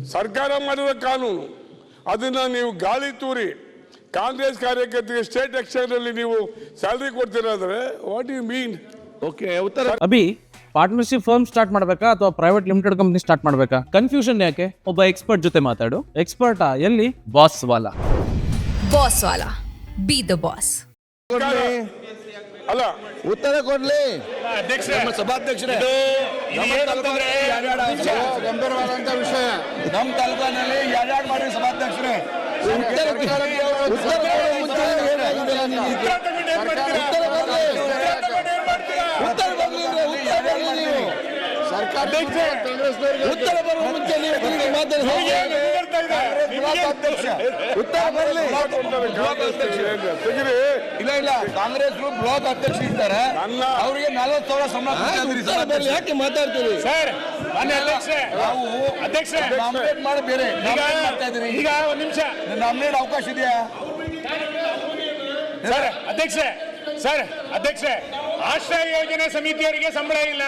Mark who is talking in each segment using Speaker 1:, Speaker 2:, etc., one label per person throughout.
Speaker 1: ಸರ್ಕಾರ ಮಾಡಿದ ಕಾನೂನು ಅದನ್ನು ನೀವು ಗಾಳಿ ತೂರಿ ಕಾಂಗ್ರೆಸ್ ಕಾರ್ಯಕರ್ತರಿಗೆ ಸ್ಟೇಟ್ ಎಕ್ಸ್ಚೇಂಜಲ್ಲಿ ನೀವು ಸ್ಯಾಲ್ರಿ ಕೊಡ್ತೀರಾದ್ರೆ ವಾಟ್ ಯು ಮೀನ್?
Speaker 2: ಓಕೆ ಉತ್ತರ.
Speaker 3: ಅಭಿ ಪಾರ್ಟ್ನರ್ಶಿಪ್ ಫರ್ಮ್ ಸ್ಟಾರ್ಟ್ ಮಾಡಬೇಕಾ ಅಥವಾ ಪ್ರೈವೇಟ್ ಲಿಮಿಟೆಡ್ ಕಂಪನಿ ಸ್ಟಾರ್ಟ್ ಮಾಡಬೇಕಾ? ಕನ್ಫ್ಯೂಷನ್ ಯಾಕೆ? ಒಬ್ಬ ಎಕ್ಸ್ಪರ್ಟ್ ಜೊತೆ ಮಾತಾಡು. ಎಕ್ಸ್ಪರ್ಟಾ? ಎಲ್ಲಿ? ಬಾಸ್ ವಾಲಾ.
Speaker 4: ಬಾಸ್ ವಾಲಾ, ಬಿ ದ ಬಾಸ್.
Speaker 1: ಅಲ್ಲ,
Speaker 2: ಉತ್ತರ ಕೊಡ್ಲಿ
Speaker 5: ನಮ್ಮ ಸಭಾಧ್ಯಕ್ಷರೇ.
Speaker 2: ಗಂಭೀರವಾದಂತ ವಿಷಯ.
Speaker 5: ನಮ್ಮ ತಾಲೂಕಿನಲ್ಲಿ ಯಾರ್ಯಾರು ಮಾಡಿ ಸಭಾಧ್ಯಕ್ಷರೇ
Speaker 2: ಉತ್ತರ ಬರುವ ಮುಂಚೆ ನೀವು ಮಾತಾಡಿ. ಉತ್ತರ ಬರಲಿ.
Speaker 5: ಇಲ್ಲ ಇಲ್ಲ, ಕಾಂಗ್ರೆಸ್ ಬ್ಲಾಕ್ ಅಧ್ಯಕ್ಷ ಇದ್ದಾರೆ, ಅವರಿಗೆ 40,000 ಸಂಬಳ
Speaker 2: ಬರಲಿ. ಯಾಕೆ ಮಾತಾಡ್ತೀರಿ
Speaker 5: ಸರ್? ನಾವು ಅಧ್ಯಕ್ಷ ನಾಮಿನೇಟ್ ಮಾಡಿ ಬೇರೆ ಮಾಡ್ತಾ ಇದ್ದೀರಿ. ಈಗ ಒಂದು ನಿಮಿಷ ನಾಮಿನೇಟ್ ಅವಕಾಶ ಇದೆಯಾ ಸರ್? ಅಧ್ಯಕ್ಷ ಆಶ್ರಯ ಯೋಜನೆ ಸಮಿತಿಯವರಿಗೆ ಸಂಬಳ ಇಲ್ಲ,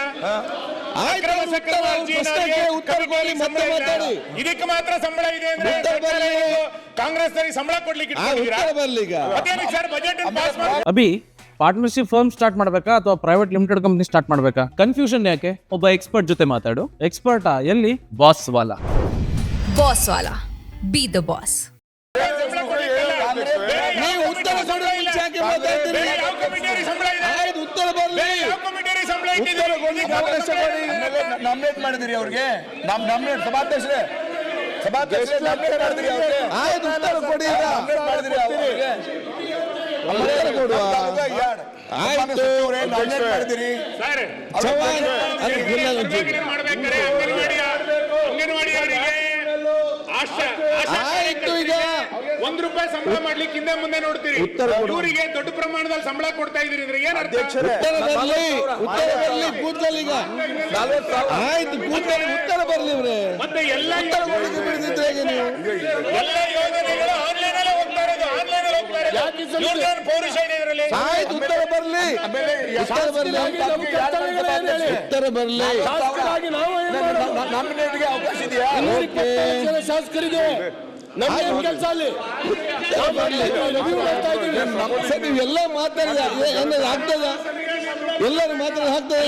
Speaker 5: ಇದಕ್ಕೆ ಮಾತ್ರ ಸಂಬಳ ಇದೆ ಅಂದ್ರೆ ಕಾಂಗ್ರೆಸ್ ಸಂಬಳ ಕೊಡ್ಲಿಕ್ಕೆ ಬಜೆಟ್ ಪಾಸ್ ಮಾಡಿ.
Speaker 3: ಅಭಿ ಪಾರ್ಟ್ನರ್ಶಿಪ್ ಫರ್ಮ್ ಸ್ಟಾರ್ಟ್ ಮಾಡಬೇಕಾ ಅಥವಾ ಪ್ರೈವೇಟ್ ಲಿಮಿಟೆಡ್ ಕಂಪನಿ ಸ್ಟಾರ್ಟ್ ಮಾಡಬೇಕಾ? ಕನ್ಫ್ಯೂಷನ್ ಯಾಕೆ? ಒಬ್ಬ ಎಕ್ಸ್ಪರ್ಟ್ ಜೊತೆ ಮಾತಾಡು. ಎಕ್ಸ್ಪರ್ಟಾ? ಎಲ್ಲಿ? ಬಾಸ್ ವಾಲಾ.
Speaker 4: ಬಾಸ್ ವಾಲಾ, ಬಿ ದ ಬಾಸ್.
Speaker 2: ನೀವು ಉತ್ತರ ಕೊಡುವ ಮುಂಚೆ ಯಾಕೆ ಮಾತಾಡ್ತೀರಿ? ಉತ್ತರ ಬರಲಿ.
Speaker 5: ನಾಮಿನೇಟ್ ಮಾಡಿದಿರಿ ಅವ್ರಿಗೆ, ನಾಮಿನೇಟ್ ಸಭಾಧ್ಯಕ್ಷರೇ ಮಾಡಿದಿರಿ ಅವ್ರಿಗೆ.
Speaker 2: ಆಯ್ತು, ಉತ್ತರ ಕೊಡಿ.
Speaker 5: ಮಾಡಿದಿರಿ ಅವ್ರಿಗೆ.
Speaker 2: ಆಯ್ತು,
Speaker 5: ಮಾಡಿದಿರಿ
Speaker 2: ಆಯ್ತು. ಈಗ
Speaker 5: ₹1 ಸಂಬಳ ಮಾಡ್ಲಿಕ್ಕೆ ಹಿಂದೆ ಮುಂದೆ ನೋಡ್ತೀರಿ, ಇವರಿಗೆ ದೊಡ್ಡ ಪ್ರಮಾಣದಲ್ಲಿ ಸಂಬಳ ಕೊಡ್ತಾ ಇದೀರಿ ಅಂದ್ರೆ ಏನ್ ಅರ್ಥ?
Speaker 2: ಉತ್ತರ ಬರಲಿ. ಕೂತ್ಕೊಳ್ಳಿ. ಈಗ ಆಯ್ತು, ಕೂತ್ಕೊಳ್ಳಿ. ಉತ್ತರ ಬರಲಿ ಇವ್ರೆ.
Speaker 5: ಮತ್ತೆ ಎಲ್ಲ
Speaker 2: ಬಿಡ್ತಿದ್ರೆ ಹೇಗೆ ನೀವು?
Speaker 5: ಎಲ್ಲ ಯೋಜನೆಗಳು ಆನ್ಲೈನ್ ಅಲ್ಲೇ ಹೋಗ್ತಾ ಇರೋದು, ಆನ್ಲೈನ್ ಅಲ್ಲಿ ಹೋಗ್ತಾ ಇರೋದು. ಇವ್ರದ್ದೇನು ಪೌರುಷ ಇದೆ ಇದರಲ್ಲಿ?
Speaker 2: ಆಯ್ತು, ಉತ್ತರ ಬರಲಿ. ಉತ್ತರ ಬರಲಿ.
Speaker 5: ನಾಮಿನೇಟ್ಗೆ ಅವಕಾಶ ಇದೆಯಾ?
Speaker 2: ಶಾಸಕರಿಗೆ ನೀವೆಲ್ಲ ಮಾತಾಡಿದ ಏನಾದ್ರು ಆಗ್ತದ? ಎಲ್ಲರೂ ಮಾತಾಡೋದು ಆಗ್ತದ?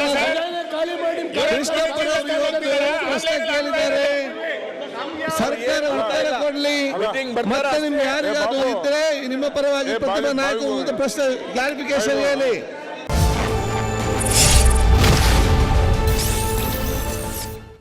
Speaker 2: ಪ್ರಶ್ನೆ ಕೇಳಿದ್ದಾರೆ, ಸರ್ಕಾರ ಉತ್ತರ ಕೊಡ್ಲಿ. ಮತ್ತೆ ನಿಮ್ಗೆ ಯಾರಿಗಾದ್ರು ಇದ್ರೆ ನಿಮ್ಮ ಪರವಾಗಿ ಪ್ರತಿಭಾ ನಾಯಕರು ಪ್ರಶ್ನೆ ಕ್ಲಾರಿಫಿಕೇಶನ್ ಹೇಳಿ.